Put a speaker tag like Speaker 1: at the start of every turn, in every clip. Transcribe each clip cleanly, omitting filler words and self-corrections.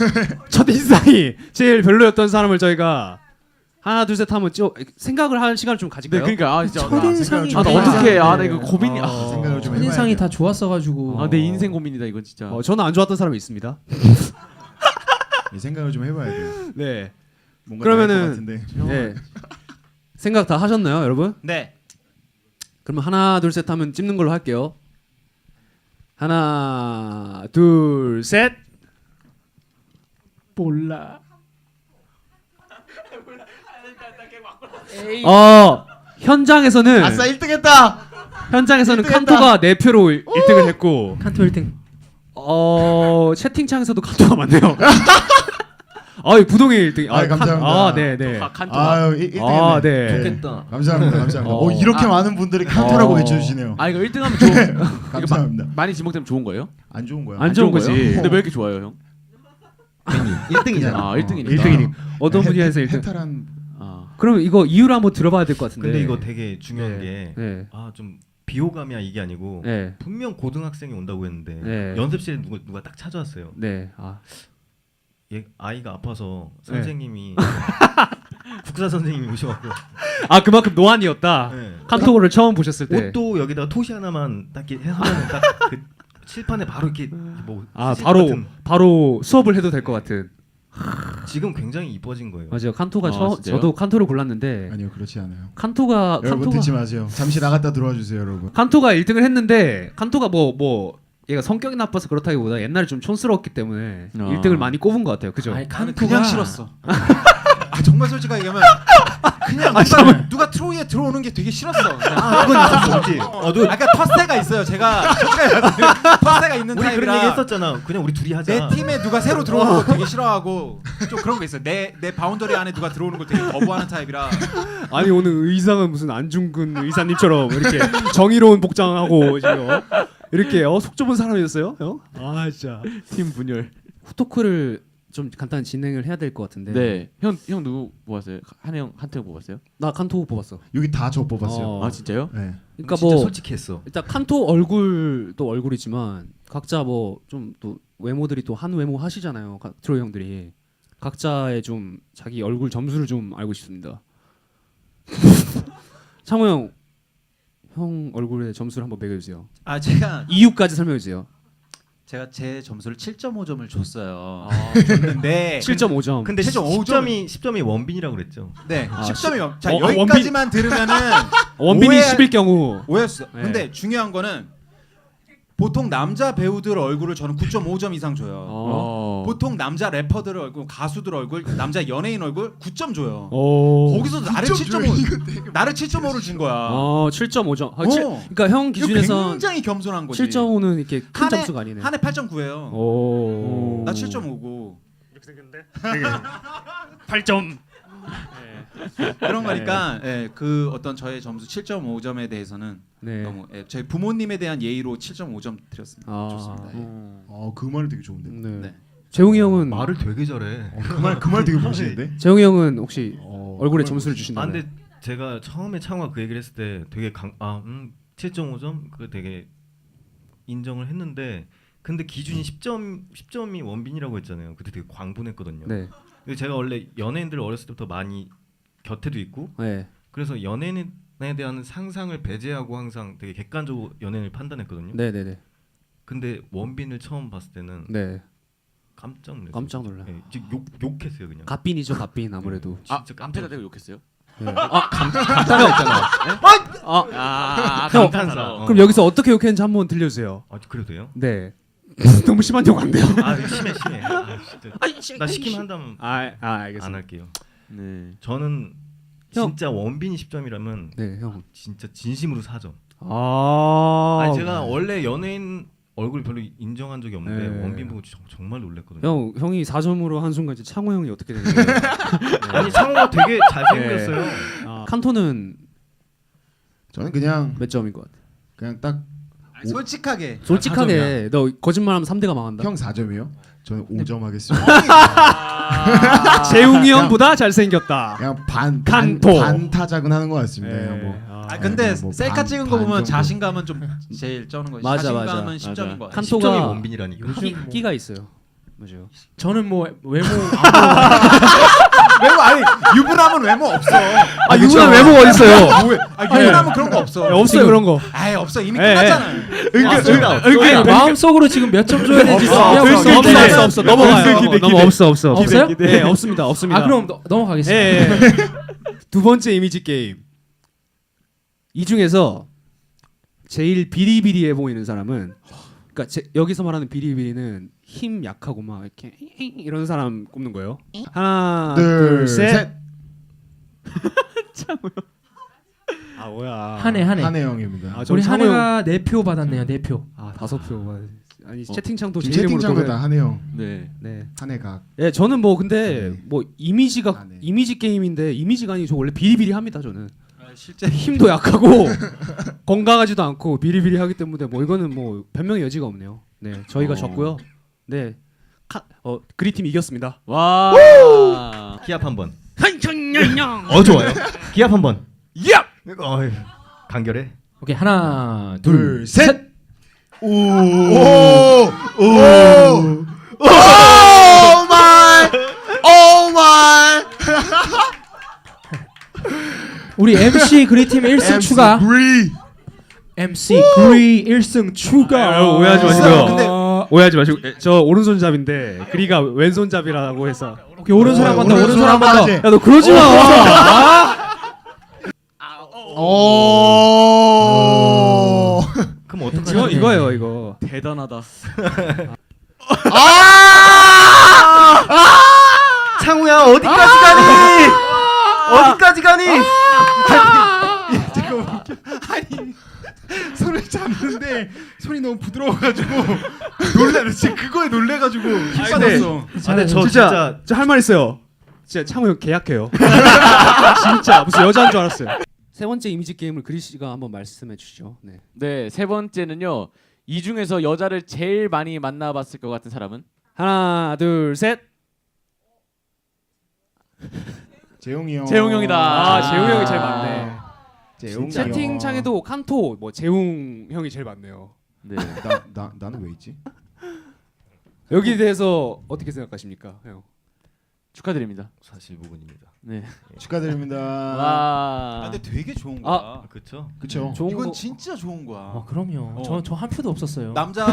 Speaker 1: 첫 인상이 제일 별로였던 사람을 저희가 하나 둘 셋 하면 생각을 하는 시간을 좀 가질까요?
Speaker 2: 네, 그러니까 진짜
Speaker 3: 첫인상이
Speaker 2: 나 어떻게 나 이거 고민이
Speaker 4: 생각을 좀 해봐야
Speaker 3: 첫인상이
Speaker 4: 돼요.
Speaker 3: 다 좋았어가지고
Speaker 2: 내 인생 고민이다 이건 진짜.
Speaker 1: 저는 안 좋았던 사람이 있습니다.
Speaker 4: 생각을 좀 해봐야 돼요.
Speaker 1: 네.
Speaker 4: 뭔가
Speaker 1: 그러면은
Speaker 4: 나을 것 같은데.
Speaker 1: 네. 생각 다 하셨나요, 여러분?
Speaker 5: 네.
Speaker 1: 그러면 하나 둘 셋 하면 찝는 걸로 할게요. 하나 둘 셋.
Speaker 3: 몰라.
Speaker 1: 현장에서는
Speaker 4: 아싸 1등했다.
Speaker 1: 현장에서는
Speaker 4: 1등
Speaker 1: 칸토가 4표로 1등을 했고
Speaker 3: 칸토 1등.
Speaker 1: 채팅창에서도 칸토가 많네요. 부동의 1등.
Speaker 4: 감사합니다.
Speaker 1: 네네.
Speaker 2: 칸토가.
Speaker 4: 1등했네.
Speaker 1: 네.
Speaker 3: 좋겠다.
Speaker 4: 감사합니다. 이렇게 많은 분들이 칸토라고 외쳐주시네요.
Speaker 2: 이거 1등하면 좋은.
Speaker 4: 감사합니다.
Speaker 2: 많이 지목되면 좋은 거예요?
Speaker 4: 안 좋은 거야.
Speaker 1: 안 좋은 거지.
Speaker 2: 근데 왜 이렇게 좋아요, 형?
Speaker 5: 1등이잖아.
Speaker 2: 1등이니까.
Speaker 1: 1등이니. 어떤 분야에서 1등?
Speaker 4: 해탈한.
Speaker 1: 그럼 이거 이유를 한번 들어봐야 될 것 같은데.
Speaker 6: 근데 이거 되게 중요한 게
Speaker 1: 네.
Speaker 6: 좀 비호감이야 이게 아니고
Speaker 1: 네.
Speaker 6: 분명 고등학생이 온다고 했는데
Speaker 1: 네.
Speaker 6: 연습실에 누가 딱 찾아왔어요.
Speaker 1: 네.
Speaker 6: 얘 아이가 아파서 선생님이 국사 선생님이 오셔갖고
Speaker 1: 그만큼 노안이었다.
Speaker 6: 네.
Speaker 1: 칸토를 처음 보셨을 때.
Speaker 6: 옷도 여기다가 토시 하나만 딱 이렇게 하면 딱 그 칠판에 바로 이렇게 뭐
Speaker 1: 바로 수업을 해도 될 것 같은.
Speaker 6: 지금 굉장히 이뻐진 거예요.
Speaker 1: 맞아요. 칸토가
Speaker 2: 진짜요?
Speaker 1: 저도 칸토를 골랐는데
Speaker 4: 아니요 그렇지 않아요.
Speaker 1: 칸토가
Speaker 4: 여러분 듣지 마세요. 잠시 나갔다 들어와 주세요 여러분.
Speaker 1: 칸토가 1등을 했는데 칸토가 뭐 얘가 성격이 나빠서 그렇다기보다 옛날에 좀 촌스러웠기 때문에 1등을 많이 꼽은 것 같아요. 그죠?
Speaker 3: 아니
Speaker 5: 나는
Speaker 3: 칸토가
Speaker 5: 그냥 싫었어. 정말 솔직하게 얘기하면 그냥 누가 트로이에 들어오는 게 되게 싫었어.
Speaker 6: 그건 있었지.
Speaker 5: 아까 텃세가 있어요. 제가 텃세가 있는
Speaker 6: 우리 그런 얘기
Speaker 5: 타입이라
Speaker 6: 했었잖아. 그냥 우리 둘이 하자.
Speaker 5: 내 팀에 누가 새로 들어오는 거 되게 싫어하고 좀 그런 거 있어요. 내 바운더리 안에 누가 들어오는 걸 되게 거부하는 타입이라.
Speaker 1: 아니 오늘 의상은 무슨 안중근 의사님처럼 이렇게 정의로운 복장하고 지금 이렇게 속 좁은 사람이었어요? 진짜
Speaker 2: 팀 분열.
Speaker 1: 후토크를 좀 간단히 진행을 해야 될 것 같은데.
Speaker 2: 네. 형 누구 뽑았어요? 한태형 뽑았어요?
Speaker 1: 나 칸토 뽑았어.
Speaker 4: 여기 다 저 뽑았어요.
Speaker 2: 진짜요?
Speaker 4: 네.
Speaker 1: 그러니까
Speaker 6: 진짜
Speaker 1: 뭐
Speaker 6: 솔직했어.
Speaker 1: 일단 칸토 얼굴도 얼굴이지만 각자 뭐 좀 또 외모들이 또 한 외모 하시잖아요. 트로이 형들이 각자의 좀 자기 얼굴 점수를 좀 알고 싶습니다. 창호 형 얼굴의 점수를 한번 매겨주세요.
Speaker 5: 제가
Speaker 1: 이유까지 설명해주세요.
Speaker 5: 제 점수를 7.5점을 줬어요. 줬는데
Speaker 1: 7.5점.
Speaker 6: 근데
Speaker 5: 7.5
Speaker 6: 10점이 원빈이라고 그랬죠.
Speaker 5: 네, 10점이요. 자,
Speaker 1: 원빈.
Speaker 5: 여기까지만 들으면은
Speaker 1: 원빈이
Speaker 5: 오해-
Speaker 1: 10일 경우
Speaker 5: 오해했어.
Speaker 1: 네.
Speaker 5: 근데 중요한 거는 보통 남자 배우들 얼굴을 저는 9.5점 이상 줘요. 보통 남자 래퍼들 얼굴, 가수들 얼굴, 남자 연예인 얼굴 9점 줘요. 거기서 나를 7.5를 준 거야.
Speaker 1: 7.5점.
Speaker 5: 어.
Speaker 1: 그러니까 형 기준에서
Speaker 5: 굉장히 겸손한 거지.
Speaker 1: 7.5는 이렇게 큰
Speaker 5: 한 해-
Speaker 1: 점수가 아니네.
Speaker 5: 한 해 8.9예요.
Speaker 1: 오.
Speaker 5: 나 7.5고.
Speaker 1: 이렇게 생겼는데 8점.
Speaker 5: 그런 거니까 그 어떤 저의 점수 7.5점에 대해서는
Speaker 1: 네.
Speaker 5: 너무 저희 부모님에 대한 예의로 7.5점 드렸습니다. 좋습니다.
Speaker 4: 그 말은 되게 좋은데.
Speaker 1: 네.
Speaker 5: 네.
Speaker 1: 재웅이 형은
Speaker 6: 말을 되게 잘해.
Speaker 4: 그 말 되게 멋있는데.
Speaker 1: 재웅이 형은 혹시 얼굴에
Speaker 4: 그
Speaker 1: 점수를
Speaker 4: 말
Speaker 1: 주신다면?
Speaker 6: 근데 제가 처음에 창호가 그 얘기를 했을 때 되게 7.5점 그 되게 인정을 했는데 근데 기준이 10점이 원빈이라고 했잖아요. 그때 되게 광분했거든요.
Speaker 1: 네.
Speaker 6: 근데 제가 원래 연예인들 어렸을 때부터 많이 곁에도 있고
Speaker 1: 네.
Speaker 6: 그래서 연예인에 대한 상상을 배제하고 항상 되게 객관적으로 연예인을 판단했거든요.
Speaker 1: 네, 네, 네.
Speaker 6: 근데 원빈을 처음 봤을 때는
Speaker 1: 네.
Speaker 6: 깜짝 놀랐어요.
Speaker 1: 깜짝 놀라.
Speaker 6: 네, 욕했어요 그냥.
Speaker 1: 갓빈이죠, 갓빈 아무래도.
Speaker 6: 진짜
Speaker 2: 깜패가 되고 욕했어요?
Speaker 1: 감탄사 있잖아.
Speaker 6: 감탄사.
Speaker 1: 그럼 여기서 어떻게 욕했는지 한번 들려주세요.
Speaker 6: 그래도 돼요?
Speaker 1: 네. 너무 심한 욕 안 돼요.
Speaker 6: 심해. 진짜. 나 시키면 한다면
Speaker 1: 알겠습니다.
Speaker 6: 안 할게요.
Speaker 2: 네.
Speaker 6: 저는
Speaker 1: 형.
Speaker 6: 진짜 원빈이 10점이라면
Speaker 1: 네, 형.
Speaker 6: 진짜 진심으로 4점.
Speaker 1: 아니
Speaker 6: 제가 원래 연예인 얼굴 별로 인정한 적이 없는데
Speaker 1: 네.
Speaker 6: 원빈 보고 정말 놀랐거든요.
Speaker 1: 형이 4점으로 한 순간 이제 창호 형이 어떻게 되는 거예요?
Speaker 6: 아니 창호가 되게 잘생겼어요.
Speaker 1: 칸토는
Speaker 4: 저는 그냥
Speaker 1: 몇 점인 것 같아?
Speaker 4: 그냥 딱
Speaker 5: 솔직하게.
Speaker 1: 솔직하게 너 거짓말하면 3대가 망한다.
Speaker 4: 형 4점이요? 저는 5점 하겠습니다.
Speaker 1: 재웅이 형보다 잘생겼다.
Speaker 4: 그냥
Speaker 1: 칸토.
Speaker 4: 반타작은 하는 것 같습니다.
Speaker 1: 네.
Speaker 4: 그냥 뭐.
Speaker 5: 근데
Speaker 4: 뭐
Speaker 5: 셀카 찍은 거 보면
Speaker 4: 정도.
Speaker 5: 자신감은 좀 제일 쩌는 거지.
Speaker 1: 맞아,
Speaker 5: 자신감은
Speaker 1: 맞아.
Speaker 5: 10점인 거 같아.
Speaker 1: 칸토가
Speaker 6: 10점이 원빈이라니까.
Speaker 1: 끼가 있어요. 맞아요.
Speaker 3: 저는 뭐 외모
Speaker 5: 외모 아니 유부남은 외모 없어.
Speaker 1: 아 유부남 외모가 어디 있어요?
Speaker 5: 유부남은 그런 거 없어.
Speaker 1: 없어요 그런 거.
Speaker 5: 아예 없어 이미 끝났잖아.
Speaker 3: 마음속으로 지금 몇 점 줘야 될지
Speaker 1: 없어 넘어가요. 없어
Speaker 3: 없어요?
Speaker 1: 네 없습니다.
Speaker 3: 아 그럼 넘어가겠습니다.
Speaker 1: 예. 두 번째 이미지 게임. 이 중에서 제일 비리비리해 보이는 사람은, 그러니까 여기서 말하는 비리비리는 힘 약하고 막 이렇게 이런 사람 꼽는 거예요. 하나, 둘, 셋. 아 뭐야?
Speaker 3: 한해
Speaker 4: 한해 형입니다.
Speaker 1: 아, 저
Speaker 3: 우리
Speaker 1: 창호 형.
Speaker 3: 한해가 4표 받았네요. 4표.
Speaker 1: 아 5표. 아니 채팅창도
Speaker 4: 지금
Speaker 1: 제 이름으로
Speaker 4: 채팅창도
Speaker 1: 또
Speaker 4: 다 한해 형.
Speaker 2: 네.
Speaker 1: 네.
Speaker 4: 한해가.
Speaker 1: 예, 저는 뭐 근데 뭐 이미지가
Speaker 4: 아, 네.
Speaker 1: 이미지 게임인데 이미지가 아니고 저 원래 비리비리합니다 저는.
Speaker 5: 실제
Speaker 1: 힘도 약하고 건강하지도 않고 비리비리하기 때문에 뭐 이거는 뭐 변명의 여지가 없네요. 네, 저희가 졌고요. 네, 그리팀 이겼습니다.
Speaker 2: 와.
Speaker 6: 기합 한번.
Speaker 1: 한청냥냥.
Speaker 6: 좋아요. 기합 한번.
Speaker 1: 야.
Speaker 6: 어이, 간결해.
Speaker 3: 오케이 하나
Speaker 4: 둘, 셋. 오 마이. 오 마이.
Speaker 3: 우리 MC 그리팀 1승 추가. MC 그리 1승 추가.
Speaker 1: 아, 오해하지 마시고요.
Speaker 5: 근데
Speaker 1: 오해하지 마시고 저 오른손잡인데 그리가 왼손잡이라고 해서.
Speaker 3: 오케이 오른손 한 번 더. 오른손 한 번 더.
Speaker 1: 야 너 그러지 마.
Speaker 4: 오.
Speaker 6: 그럼 어떡하지?
Speaker 1: 이거예요 이거.
Speaker 2: 대단하다.
Speaker 6: 창우야 어디까지 가니? 어디까지 가니?
Speaker 4: 아니 손을 잡는데 손이 너무 부드러워가지고 놀래. 진짜 그거에 놀래가지고 힘 빠졌어.
Speaker 6: 근데 저
Speaker 1: 진짜 저 할 말 있어요. 진짜 창호 형 계약해요. 진짜 무슨 여자인 줄 알았어요. 세 번째 이미지 게임을 그리 씨가 한번 말씀해 주시죠. 네.
Speaker 2: 네, 세 번째는요. 이 중에서 여자를 제일 많이 만나봤을 것 같은 사람은?
Speaker 1: 하나, 둘, 셋.
Speaker 4: 재용이 형.
Speaker 2: 재용 형이다.
Speaker 1: 아, 재웅 형이 제일 많네.
Speaker 4: 재용
Speaker 1: 채팅창에도 칸토 뭐 재웅 형이 제일 많네요.
Speaker 2: 네.
Speaker 4: 나는 왜 있지?
Speaker 1: 여기에 대해서 어떻게 생각하십니까, 형?
Speaker 2: 축하드립니다.
Speaker 6: 사실 부분입니다.
Speaker 2: 네.
Speaker 4: 축하드립니다.
Speaker 2: 와.
Speaker 5: 근데 되게 좋은 거야.
Speaker 6: 그렇죠.
Speaker 4: 그쵸.
Speaker 1: 좋은
Speaker 5: 이건
Speaker 1: 거.
Speaker 5: 진짜 좋은 거야.
Speaker 3: 아 그럼요. 저 한 표도 없었어요.
Speaker 5: 남자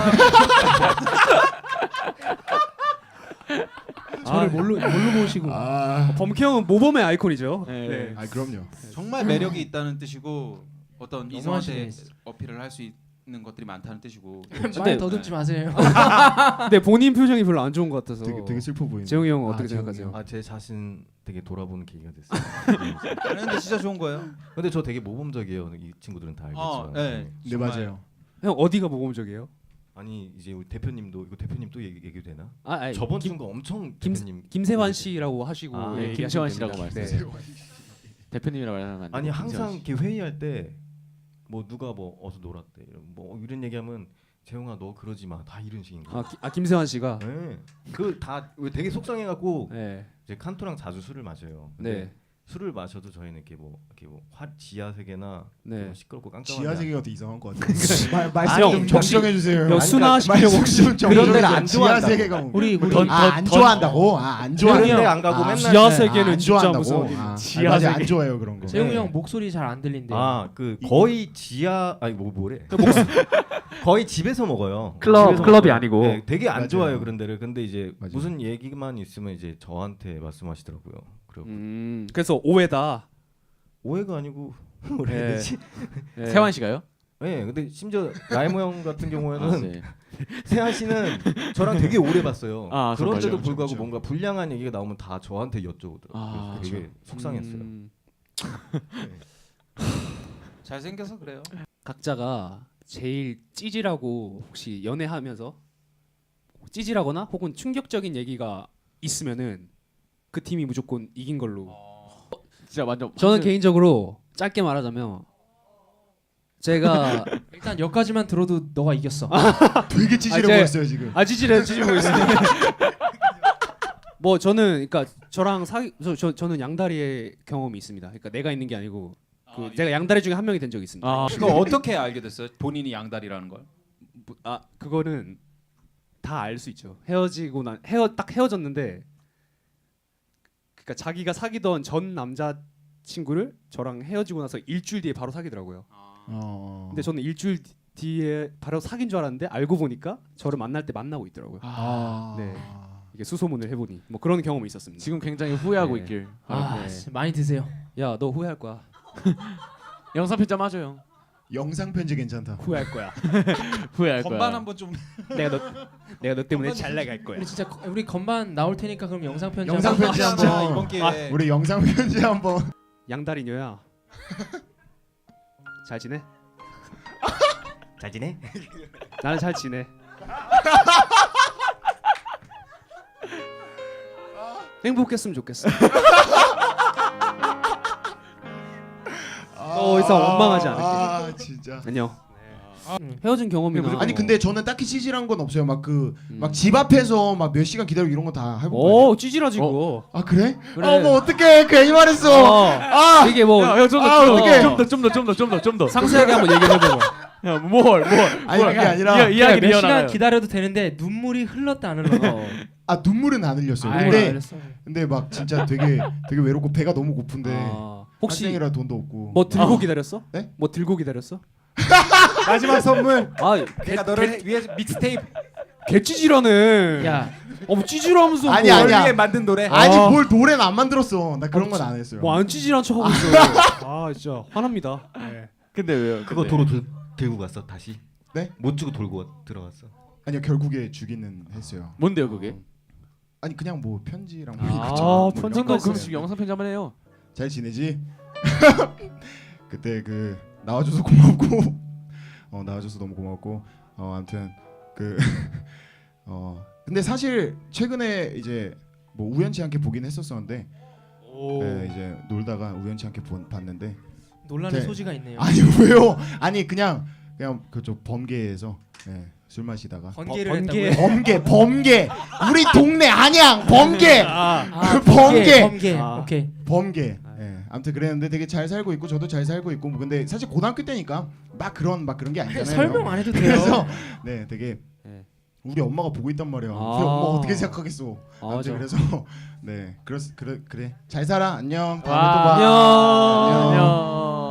Speaker 3: 저를 뭘로 보시고.
Speaker 1: 범키 형은 모범의 아이콘이죠.
Speaker 2: 네.
Speaker 4: 아 그럼요.
Speaker 5: 정말 매력이 있다는 뜻이고 어떤 이성한테
Speaker 3: 너무하시네.
Speaker 5: 어필을 할 수 있는 것들이 많다는 뜻이고.
Speaker 3: 말 더듬지 마세요.
Speaker 1: 근데 본인 표정이 별로 안 좋은 것 같아서.
Speaker 4: 되게 슬퍼 보이네.
Speaker 1: 재웅이 형 어떻게
Speaker 4: 재웅이
Speaker 1: 생각하세요?
Speaker 6: 아 제 자신 되게 돌아보는 계기가 됐어요.
Speaker 5: 아니, 근데 진짜 좋은 거예요.
Speaker 6: 근데 저 되게 모범적이에요. 이 친구들은 다 알겠지만.
Speaker 5: 네.
Speaker 4: 네 맞아요.
Speaker 1: 형 어디가 모범적이에요?
Speaker 6: 아니 이제 우리 대표님도 이거 대표님 또 얘기 되나?
Speaker 1: 아니,
Speaker 6: 저번 주가 엄청 대표님
Speaker 1: 김세환 씨라고 하시고
Speaker 2: 아,
Speaker 1: 예,
Speaker 2: 김세환
Speaker 1: 얘기하시면
Speaker 2: 씨라고
Speaker 1: 됩니다.
Speaker 2: 말씀하세요. 대표님이라고 말하면 안 돼요.
Speaker 6: 아니 항상
Speaker 2: 김세환 씨.
Speaker 6: 이렇게 회의할 때 뭐 누가 뭐 어서 놀았대 이런 얘기하면 재용아 너 그러지 마 다 이런 식인 거야.
Speaker 1: 김세환 씨가.
Speaker 6: 네. 그다 되게 속상해갖고
Speaker 1: 네.
Speaker 6: 이제 칸토랑 자주 술을 마셔요. 근데
Speaker 1: 네.
Speaker 6: 술을 마셔도 저희는 이렇게 뭐 지하 세계나
Speaker 1: 네.
Speaker 6: 좀 시끄럽고 깜깜한
Speaker 4: 지하
Speaker 6: 데
Speaker 4: 세계가 더 이상한 것 같아요.
Speaker 6: 아니,
Speaker 4: 좀
Speaker 6: 형,
Speaker 4: 정정해 주세요.
Speaker 1: 형 순화 시키려고 혹시
Speaker 6: 그런 데를 안
Speaker 4: 지하
Speaker 6: 좋아한다고.
Speaker 4: 세계가 뭐.
Speaker 3: 우리
Speaker 4: 안 좋아한다고? 안
Speaker 6: 그런
Speaker 4: 좋아해요.
Speaker 6: 데 안 가고
Speaker 4: 아,
Speaker 6: 맨날
Speaker 1: 지하 세계는
Speaker 4: 안
Speaker 1: 진짜
Speaker 4: 좋아한다고.
Speaker 1: 무슨
Speaker 4: 지하 세계 안 좋아해요 그런 거.
Speaker 3: 재웅이
Speaker 6: 네.
Speaker 3: 형 목소리 잘 안 들린대.
Speaker 6: 그 거의 지하 아니 뭐래 거의 집에서 먹어요.
Speaker 2: 클럽-
Speaker 6: 집에서
Speaker 2: 클럽이
Speaker 6: 먹어요.
Speaker 2: 아니고.
Speaker 6: 네, 되게 안
Speaker 4: 맞아요.
Speaker 6: 좋아해요 그런 데를. 근데 이제
Speaker 4: 맞아요.
Speaker 6: 무슨 얘기만 있으면 이제 저한테 말씀하시더라고요. 그리고
Speaker 1: 그래서 오해다.
Speaker 6: 오해가 아니고 뭐라 해야
Speaker 1: 네.
Speaker 6: 되지?
Speaker 1: 네.
Speaker 2: 세환 씨가요?
Speaker 6: 네, 근데 심지어 라이모 형 같은 경우에는
Speaker 2: 네.
Speaker 6: 세한 씨는 저랑 되게 오래 봤어요.
Speaker 2: 아,
Speaker 6: 그런데도
Speaker 4: 맞아요.
Speaker 6: 불구하고
Speaker 4: 그렇죠.
Speaker 6: 뭔가 불량한 얘기가 나오면 다 저한테 여쭤보더라고요.
Speaker 2: 아,
Speaker 6: 그래서 되게 속상했어요.
Speaker 5: 잘생겨서 그래요.
Speaker 1: 각자가 제일 찌질하고 혹시 연애하면서 찌질하거나 혹은 충격적인 얘기가 있으면은 그 팀이 무조건 이긴 걸로.
Speaker 2: 진짜 완전
Speaker 1: 저는 개인적으로 짧게 말하자면 제가
Speaker 3: 일단 여기까지만 들어도 너가 이겼어.
Speaker 4: 되게 찌질해
Speaker 1: 제-
Speaker 4: 보였어요 지금.
Speaker 1: 찌질해 찌질고 있어요. 뭐 저는 그러니까 저랑 저는 양다리의 경험이 있습니다. 그러니까 내가 있는 게 아니고 제가 양다리 중에 한 명이 된 적이 있습니다.
Speaker 2: 아,
Speaker 5: 이거 어떻게 알게 됐어요? 본인이 양다리라는 걸?
Speaker 1: 그거는 다 알 수 있죠. 딱 헤어졌는데, 그러니까 자기가 사귀던 전 남자 친구를 저랑 헤어지고 나서 일주일 뒤에 바로 사귀더라고요. 근데 저는 일주일 뒤에 바로 사귄 줄 알았는데 알고 보니까 저를 만날 때 만나고 있더라고요. 네. 이게 수소문을 해보니 뭐 그런 경험이 있었습니다.
Speaker 2: 지금 굉장히 후회하고
Speaker 1: 네.
Speaker 2: 있길.
Speaker 3: 아,
Speaker 1: 네.
Speaker 3: 진짜 많이 드세요.
Speaker 1: 야, 너 후회할 거야.
Speaker 2: 영상 편집 하죠 형.
Speaker 4: 영상 편지 괜찮다.
Speaker 1: 후회할 거야.
Speaker 2: 후회할 거야.
Speaker 5: 건반 한번 좀
Speaker 1: 내가 너 때문에 잘 나갈 거야.
Speaker 3: 우리 진짜 우리 건반 나올 테니까 그럼 영상 편지
Speaker 4: 영상
Speaker 3: 한번
Speaker 4: 편지
Speaker 3: 하시죠.
Speaker 4: 한번.
Speaker 5: 이번 기회에
Speaker 4: 우리 영상 편지 한번.
Speaker 1: 양다리녀야. 잘 지내?
Speaker 6: 잘 지내?
Speaker 1: 나는 잘 지내. 행복했으면 좋겠어. 더 이상 원망하지 않을게.
Speaker 4: 아 진짜.
Speaker 1: 안녕. 헤어진 경험이나.
Speaker 4: 아니 근데 저는 딱히 찌질한 건 없어요. 막 막 집 앞에서 막 몇 시간 기다리고 이런 거 다 해보고.
Speaker 1: 찌질하지 그거.
Speaker 4: 아 그래?
Speaker 1: 그래.
Speaker 4: 어머 어떡해 괜히 말했어. 아
Speaker 1: 이게 뭐
Speaker 4: 어떡해.
Speaker 2: 좀 더.
Speaker 1: 상세하게 한번 얘기해 보고.
Speaker 2: 야, 뭘?
Speaker 4: 아니 그게 아니라
Speaker 2: 이야기
Speaker 3: 몇 시간
Speaker 2: 이어나가요.
Speaker 3: 기다려도 되는데 눈물이 흘렀다 안 흘렀다.
Speaker 4: 아 눈물은 안 흘렸어요.
Speaker 3: 아이,
Speaker 4: 근데
Speaker 3: 알았어.
Speaker 4: 근데 막 진짜 되게 외롭고 배가 너무 고픈데
Speaker 1: 혹시
Speaker 4: 학생이라 돈도 없고.
Speaker 1: 뭐 들고 기다렸어?
Speaker 4: 네?
Speaker 1: 뭐 들고 기다렸어?
Speaker 4: 마지막 선물.
Speaker 1: 아,
Speaker 5: 내가 너를 위해 믹스테이프
Speaker 1: 개 찌질하네.
Speaker 3: 야,
Speaker 1: 뭐 찌질하면서
Speaker 4: 아니,
Speaker 1: 뭐,
Speaker 4: 아니야.
Speaker 5: 널 위해 만든 노래.
Speaker 4: 아니 뭘 노래는 안 만들었어. 나 그런 건 안 했어요.
Speaker 1: 뭐 안 찌질한 척 하고 있어. 아 진짜 화납니다. 네.
Speaker 2: 근데 왜요?
Speaker 6: 그거 도로 들고 갔어 다시?
Speaker 4: 네?
Speaker 6: 못 주고 돌고 들어갔어.
Speaker 4: 아니요 결국에 주기는 했어요.
Speaker 2: 뭔데요 그게?
Speaker 4: 아니 그냥 뭐 편지랑 뭐
Speaker 1: 아,
Speaker 4: 이것저것
Speaker 1: 편지가
Speaker 4: 뭐 이런 거
Speaker 2: 그럼
Speaker 4: 했어요.
Speaker 2: 지금 영상 편집 한번 해요.
Speaker 4: 잘 지내지? 그때 나와줘서 고맙고 나와줘서 너무 고맙고 아무튼 근데 사실 최근에 이제 뭐 우연치 않게 보긴 했었었는데 이제 놀다가 우연치 않게 봤는데
Speaker 3: 논란의
Speaker 4: 네.
Speaker 3: 소지가 있네요.
Speaker 4: 아니 왜요? 아니 그냥 그쪽 범계에서 술 마시다가
Speaker 3: 번개를
Speaker 1: 번개.
Speaker 3: 했다고요?
Speaker 4: 범계 우리 동네 안양 범계
Speaker 3: 아,
Speaker 4: 번개.
Speaker 3: 번개.
Speaker 1: 아.
Speaker 3: 오케이.
Speaker 4: 범계. 아무튼 그랬는데 되게 잘 살고 있고 저도 잘 살고 있고 뭐 근데 사실 고등학교 때니까 막 그런 게 아니잖아요.
Speaker 3: 설명 안 해도 돼요.
Speaker 4: 그래서 네 되게
Speaker 1: 네.
Speaker 4: 우리 엄마가 보고 있단 말이야.
Speaker 1: 아.
Speaker 4: 우리 엄마 어떻게 생각하겠어? 아무튼
Speaker 1: 맞아.
Speaker 4: 그래서 네 그래 잘 살아 안녕. 다음에 또
Speaker 2: 와,
Speaker 4: 봐.
Speaker 1: 안녕.
Speaker 2: 안녕.